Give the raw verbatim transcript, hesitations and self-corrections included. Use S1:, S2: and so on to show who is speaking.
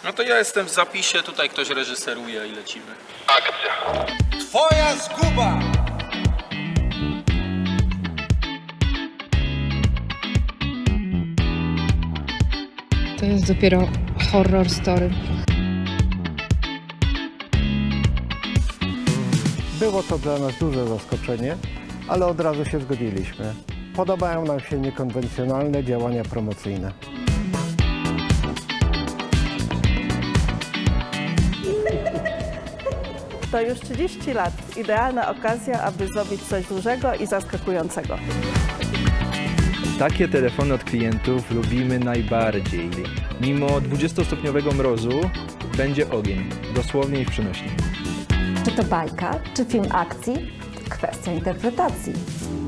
S1: No to ja jestem w zapisie, tutaj ktoś reżyseruje i lecimy.
S2: Akcja.
S3: Twoja zguba!
S4: To jest dopiero horror story.
S5: Było to dla nas duże zaskoczenie, ale od razu się zgodziliśmy. Podobają nam się niekonwencjonalne działania promocyjne.
S6: To już trzydzieści lat. Idealna okazja, aby zrobić coś dużego i zaskakującego.
S7: Takie telefony od klientów lubimy najbardziej. Mimo dwudziestostopniowego mrozu będzie ogień, dosłownie i w przenośni.
S8: Czy to bajka, czy film akcji? Kwestia interpretacji.